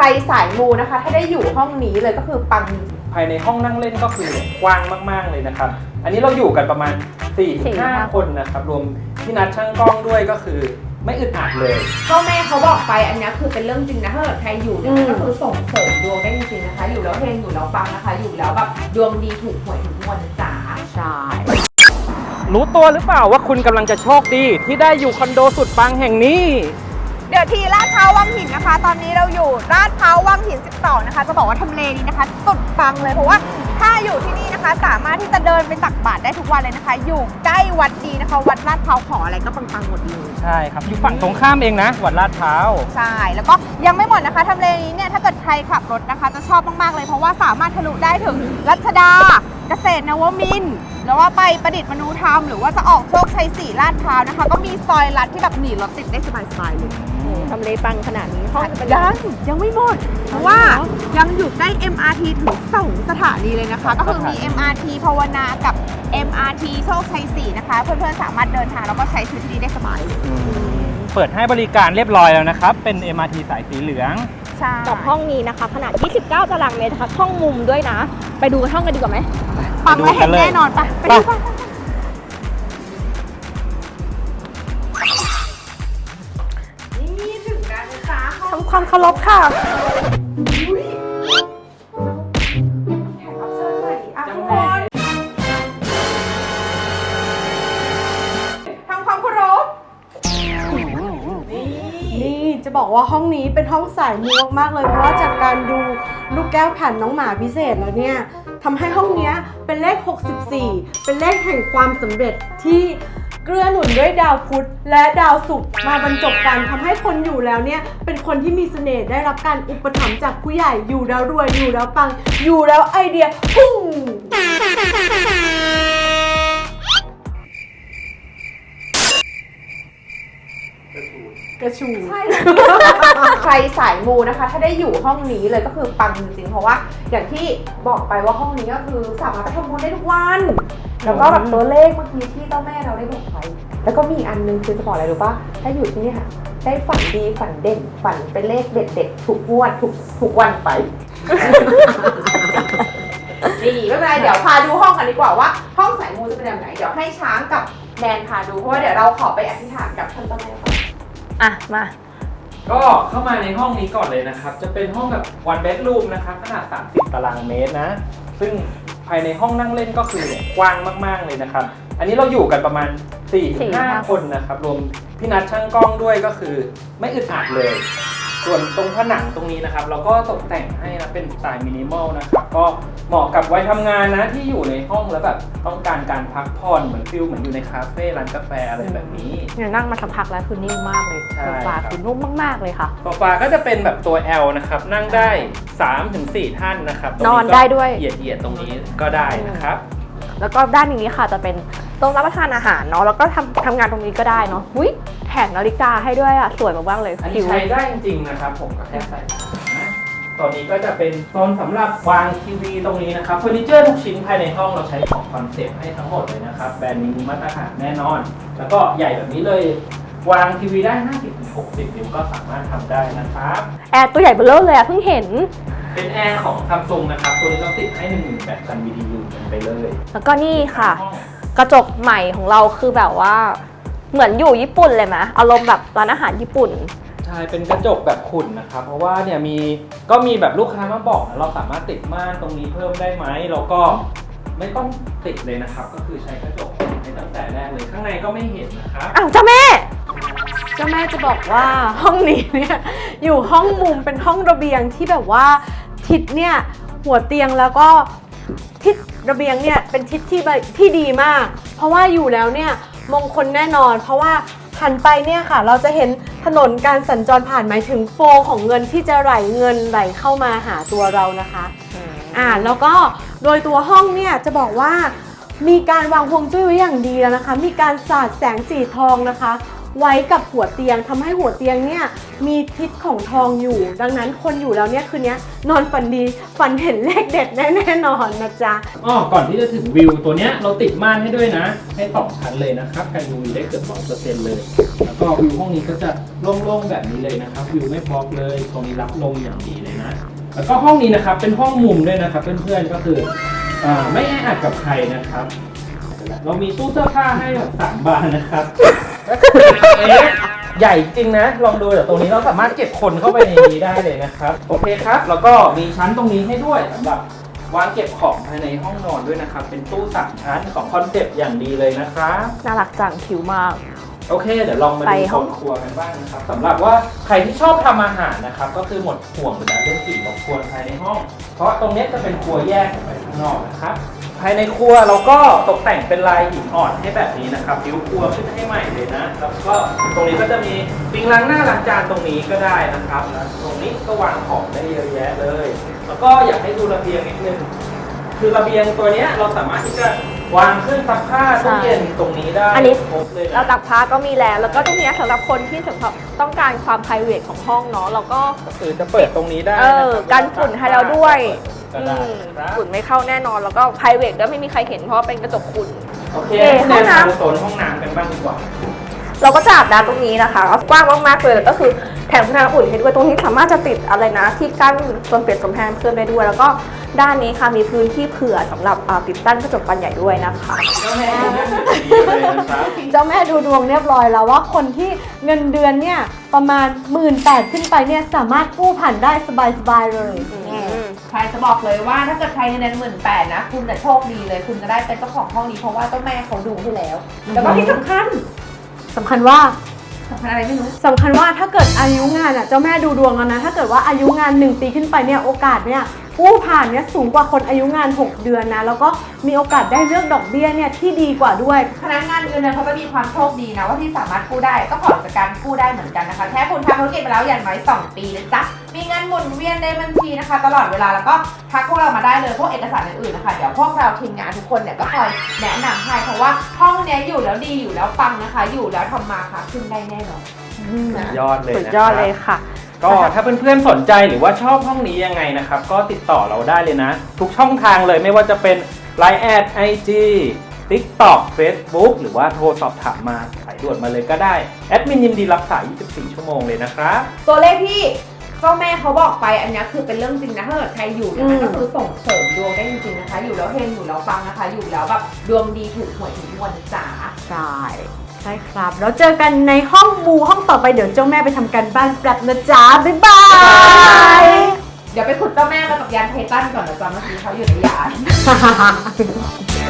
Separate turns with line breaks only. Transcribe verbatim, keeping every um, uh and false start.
รสายมูนะคะถ้าได้อยู่ห้องนี้เลยก็คือปัง
ภายในห้องนั่งเล่นก็คือกว้างมากๆเลยนะครับอันนี้เราอยู่กันประมาณ สี่ถึงห้า คนนะครับรวมพี่นัดช่างกล้องด้วยก็คือไม่อึดอัดเลย
ก็แม่เขาบอกไปอันนี้คือเป็นเรื่องจริงนะถ้าเกิดใครอยู่เนี่ยก็คือส่งเสริมดวงได้จริงๆนะคะอยู่แล้วเฮงอยู่แล้วปังนะคะอยู่แล้วแบบดวงดีถูกหวยถูกงวดจ๋า
ใช่
รู้ตัวหรือเปล่าว่าคุณกำลังจะโชคดีที่ได้อยู่คอนโดสุดปังแห่งนี้
เดี๋ยวทีลาดพร้าววังหินนะคะตอนนี้เราอยู่ลาดพร้าววังหินสิบสองนะคะจะบอกว่าทำเลนี้นะคะสุดปังเลยเพราะว่าถ้าอยู่ที่นี่นะคะสามารถที่จะเดินไปตักบาตรได้ทุกวันเลยนะคะอยู่ใกล้วัดดีนะคะวัดลาดพร้าวขออะไรก็ปังๆหมดเลย
ใช่ครับอยู่ฝั่งตรงข้ามเองนะวัดลาดพร้าว
ใช่แล้วก็ยังไม่หมดนะคะทำเลนี้เนี่ยถ้าเกิดใครขับรถนะคะจะชอบมากๆเลยเพราะว่าสามารถทะลุได้ถึงรัชดาเกษตรนวมินทร์แล้วว่าไปประดิษฐ์มนูธรรมหรือว่าจะออกโชคชัยสี่ลาดพร้าวนะคะก็มีซอยลัดที่แบบหนีรถติดได้สบายๆเลย
ทำเลปังขนาดนี้ห้อง
ยังยังไม่หมดเพราะว่ายังอยู่ใกล้ เอ็ม อาร์ ที ถึงสองสถานีเลยนะคะก็คือมี เอ็ม อาร์ ที ภาวนากับ เอ็ม อาร์ ที โชคชัยสี่นะคะเพื่อนๆสามารถเดินทางแล้วก็ใช้ชีวิตที่นี่ได้สบายเลย
เปิดให้บริการเรียบร้อยแล้วนะครับเป็น เอ็ม อาร์ ที สายสีเหลือง
กับห้องนี้นะคะขนาดยี่สิบเก้าตารางเมตรนะคะห้องมุมด้วยนะไปดูห้องกันดีกว่าไหม
ปังและเห็นแน่นอนปะไปดูกัน
ทำความเคารพค่ะ
ทำความเคารพ
นี่จะบอกว่าห้องนี้เป็นห้องสายมูมากๆเลยเพราะว่าจากการดูลูกแก้วแผ่นน้องหมาพิเศษแล้วเนี่ยทำให้ห้องนี้เป็นเลขหกสิบสี่เป็นเลขแห่งความสำเร็จที่เกื้อหนุนด้วยดาวพุธและดาวศุกร์มาบรรจบกันทำให้คนอยู่แล้วเนี่ยเป็นคนที่มีเสน่ห์ได้รับการอุปถัมภ์จากผู้ใหญ่อยู่แล้วรวยอยู่แล้วปังอยู่แล้วไอเดียพุ่งกระชูใช่ใครสายมูนะคะถ้าได้อยู่ห้องนี้เลยก็คือปังจริงๆเพราะว่าอย่างที่บอกไปว่าห้องนี้ก็คือสามารถไปทำบุญได้ทุกวันแล้วก็แบบตัวเลขเมื่อกี้ที่เจ้าแม่เราได้บอกไว้แล้วก็มีอันนึงคือจะบอกอะไรรู้ป่ะถ้าอยู่ที่นี่ค่ะได้ฝันดีฝันเด่นฝันเป็นเลขเด็ดๆทุกงวดทุกทุกวันไปดีไม่เป็นไรเดี๋ยวพาดูห้องกันดีกว่าว่าห้องสายมูจะเป็นแบบไหนเดี๋ยวให้ช้างกับแนนพาดูเพราะว่าเดี๋ยวเราขอไปอธิษฐานกับท่านเจ้าแม่ก่อน
อ่ะมา
ก็เข้ามาในห้องนี้ก่อนเลยนะครับจะเป็นห้องแบบ one bedroom นะครับขนาดสามสิบตารางเมตรนะซึ่งภายในห้องนั่งเล่นก็คือกว้างมากๆเลยนะครับอันนี้เราอยู่กันประมาณ สี่ถึงห้า คนนะครับรวมพี่นัดช่างกล้องด้วยก็คือไม่อึดอัดเลยส่วนตรงผนังตรงนี้นะครับเราก็ตกแต่งให้นะเป็นสไตล์มินิมอลนะครับก็เหมาะกับวัยทำงานนะที่อยู่ในห้องแล้วแบบต้องการการพักผ่อนเหมือนฟิลเหมือนอยู่ในคาเฟ่ร้านกาแฟอะไรแบบนี้
เนี่ยนั่งมาสักพักแล้วคือนิ่มมากเลยโซฟาคือนุ่มมากๆเลยค่ะ
โซฟาก็จะเป็นแบบตัว L นะครับนั่งได้ สามถึงสี่ ท่านนะครับ
นอนได้ด้วย
เหยียดๆตรงนี้ก็ได้นะครับ
แล้วก็ด้านนี้ค่ะจะเป็นโต๊ะรับประทานอาหารเนาะแล้วก็ทำทำงานตรงนี้ก็ได้เนาะอุ้ยแถมนาฬิกาให้ด้วยอ่ะสวยมากๆเลย
อันนี้ใช้ได้จริงๆนะครับผมก็แค่ใส่นะตอนนี้ก็จะเป็นโซนสำหรับวางทีวีตรงนี้นะครับเฟอร์นิเจอร์ทุกชิ้นภายในห้องเราใช้ของคอนเซ็ปต์ให้ทั้งหมดเลยนะครับแบรนด์นี้มาตรฐานแน่นอนแล้วก็ใหญ่แบบนี้เลยวางทีวีได้ ห้าสิบถึงหกสิบ นิ้วก็สามารถทำได้นะครับ
แอร์ตัวใหญ่เบ้อเร่อเลยอ่ะเพิ่งเห็น
เป็นแอร์ของ Samsung นะครับตัวนี้เราติดให้ หนึ่งหมื่นแปดพัน บี ที ยู กันไปเลย
แล้วก็นี่ค่ะกระจกใหม่ของเราคือแบบว่าเหมือนอยู่ญี่ปุ่นเลยไหมอารมณ์แบบร้านอาหารญี่ปุ่น
ใช่เป็นกระจกแบบขุ่นนะครับเพราะว่าเนี่ยมีก็มีแบบลูกค้ามาบอกนะเราสามารถติดม่านตรงนี้เพิ่มได้ไหมแล้วก็ไม่ต้องติดเลยนะครับก็คือใช้กระจกในตั้งแต่แรกเลยข้างในก็ไม่เห็นนะครับ
อ้าวเจ้าแม่
เจ้าแม่จะบอกว่าห้องนี้เนี่ยอยู่ห้องมุมเป็นห้องระเบียงที่แบบว่าทิศเนี่ยหัวเตียงแล้วก็ทิศระเบียงเนี่ยเป็นทิศที่ที่ดีมากเพราะว่าอยู่แล้วเนี่ยมงคลแน่นอนเพราะว่าหันไปเนี่ยค่ะเราจะเห็นถนนการสัญจรผ่านหมายถึงโฟลของเงินที่จะไหลเงินไหลเข้ามาหาตัวเรานะคะอ่าแล้วก็โดยตัวห้องเนี่ยจะบอกว่ามีการวางฮวงจุ้ยไว้อย่างดีแล้วนะคะมีการสาดแสงสีทองนะคะไว้กับหัวเตียงทำให้หัวเตียงเนี่ยมีทิศของทองอยู่ ดังนั้นคนอยู่แล้วเนี่ยคืนนี้นอนฝันดีฝันเห็นเลขเด็ดแน่ๆนอนนะจ๊ะ
อ๋อก่อนที่จะถึงวิวตัวเนี้ยเราติดม่านให้ด้วยนะ ให้สองชั้นเลยนะครับกัน ยู วี ได้เกือบร้อยเปอร์เซ็นต์เลย แล้วก็วิวห้องนี้ก็จะโล่งๆแบบนี้เลยนะครับวิวไม่บล็อกเลยตรงนี้รับลมอย่างดีเลยนะ แล้วก็ห้องนี้นะครับเป็นห้องมุมด้วยนะครับเพื่อนๆก็คืออ่าไม่แออัดกับใครนะครับ เรามีตู้เสื้อผ้าให้แบบสามบานนะครับ ใหญ่จริงนะลองดูเดี๋ยวตรงนี้เราสามารถเก็บคนเข้าไปในนี้ได้เลยนะครับโอเคครับแล้วก็มีชั้นตรงนี้ให้ด้วยสำหรับวางเก็บของภายในห้องนอนด้วยนะครับเป็นตู้สามชั้นของคอนเซ็ปต์อย่างดีเลยนะครับ
น่ารักจังคิ้วมาก
โอเคเดี๋ยวลองมา
ไป
ดู
ห้
ห้
อ
อง งครัวกันบ้างนะครับสำหรับว่าใครที่ชอบทำอาหารนะครับก็คือหมดห่วงไปแล้วเรื่องกลิ่นรบกวนภายในห้อง เพราะตรงนี้จะเป็นครัวแยกออกไปข้างนอกนะครับภายในครัวเราก็ตกแต่งเป็นลายหินอ่อนให้แบบนี้นะครับผิวครัวขึ้นให้ใหม่เลยนะแล้วก็ตรงนี้ก็จะมีปิงล้างหน้าล้างจานตรงนี้ก็ได้นะครับแล้วตรงนี้ก็วางของได้เยอะแยะเลย แล้วก็อยากให้ดูระเบียงนิดนึงคือระเบียงตัวเนี้ยเราสามารถที่จะวางเครื่องซักผ้าตู้เย็นตรงนี้ได้
อันนี้
ครบเลยนะ
เราตักผ้าก็มีแล้ว แล้วก็ตรงเนี้ยสำหรับคนที่สำหรับต้องการความ ไพรเวท ของห้องเนาะเราก็
ก็คือจะเปิดตรงนี้ได้
เออ
นะครับ
กันฝุ่นให้เราด้วย
ก็ได้
อืม
ครับ
ฝุ่นไม่เข้าแน่นอนแล้วก็ ไพรเวท ด้วยไม่มีใครเห็นเพราะว่าเป็นกระจกฝุ่น
โอเค
เอ่อ
ห้อง
ห้องน้ำ
น้ำโซนห้องน้ำกันบ้างดีกว่า
เราก็จะอาบน้ำตรงนี้นะคะกว้างมากๆเลยแล้วก็คือแถมคุณภาพอุ่นให้ด้วยตรงนี้สามารถจะติดอะไรนะที่กั้นโซนเปลี่ยนกำแพงเพิ่มได้ด้วย แล้วก็ด้านนี้ค่ะมีพื้นที่เผื่อสำหรับอ่าติดตั้งกระจกบานใหญ่ด้วยนะคะ
เจ้าแม่ดูเรื่องดีเลยนะครับ
เจ้าแม่ดูดวงเรียบร้อยแล้วว่าคนที่เงินเดือนเนี่ยประมาณหมื่นแปดขึ้นไปเนี่ยสามารถกู้ผ่านได้สบายๆเลย
ใครจะบอกเลยว่าถ้าเกิดใครเงินเดือนหมื่นแปดนะคุณจะโชคดีเลย คุณจะได้เป็นเจ้าของห้องนี้เพราะว่าเจ้าแม่เขาดูให้แล้ว แล้วก็ที่สำคัญ
สำคัญว่า
สำคัญอะไรไม่รู้
สำคัญว่าถ้าเกิดอายุงานอ่ะเจ้าแม่ดูดวงแล้วนะถ้าเกิดว่าอายุงานหนึ่งปีขึ้นไปเนี่ยโอกาสเนี่ยกู้ผ่านเนี่ยสูงกว่าคนอายุงานหกเดือนนะแล้วก็มีโอกาสได้เลือกดอกเบี้ยเนี่ยที่ดีกว่าด้วย
พนักงานเงินเดือนเขาจะมีความโชคดีนะว่าที่สามารถกู้ได้ก็ผ่อนจากการกู้ได้เหมือนกันนะคะแค่คุณทำธุรกิจไปแล้วอย่างน้อยสองปีนะจ๊ะมีเงินหมุนเวียนในบัญชีนะคะ ตลอดเวลาแล้วก็ทักพวกเรามาได้เลยพวกเอกสารอื่นๆนะคะเดี๋ยวพวกเราทีมงานทุกคนเนี่ยก็คอยแนะนำให้เพราะว่าห้องเนี้ยอยู่แล้วดีอยู่แล้วปังนะคะ อยู่แล้วทำมาค่ะขึ้นได้แน่นอน
ยอดเลย
สุด
นะ
ยอดเลยค่ะ
ก็ถ้าเพื่อนๆสนใจหรือว่าชอบห้องนี้ยังไงนะครับ ก็ติดต่อเราได้เลยนะ ทุกช่องทางเลยไม่ว่าจะเป็น ไลน์ แอด ไอ จี TikTok Facebook หรือว่าโทรสอบถามมาสายด่วนมาเลยก็ได้ แอดมินยินดีรับสาย ยี่สิบสี่ ชั่วโมงเลยนะครับ
ตัวเลขที่เจ้าแม่เขาบอกไปอันนี้คือเป็นเรื่องจริงนะถ้าเกิดใครอยู่เนี่ยมันก็คือส่งเสริมดวงได้จริงๆนะคะ อยู่แล้วเฮงอยู่แล้วปังนะคะ อยู่แล้วแบบดวงดีถูกหวยถูกงวดนะจ๋า
ใช่ใช่ครับแล้วเจอกันในห้องมูห้องต่อไปเดี๋ยวเจ้าแม่ไปทำการบ้านแป๊บนะจ๊ะบ๊ายบาย
เดี๋ยวไปขุดเจ้าแม่มากับยานไททันก่อนนะจ๊ะเมื่อกี้เขาอยู่ในยาน
ฮ่าฮ่าฮ่า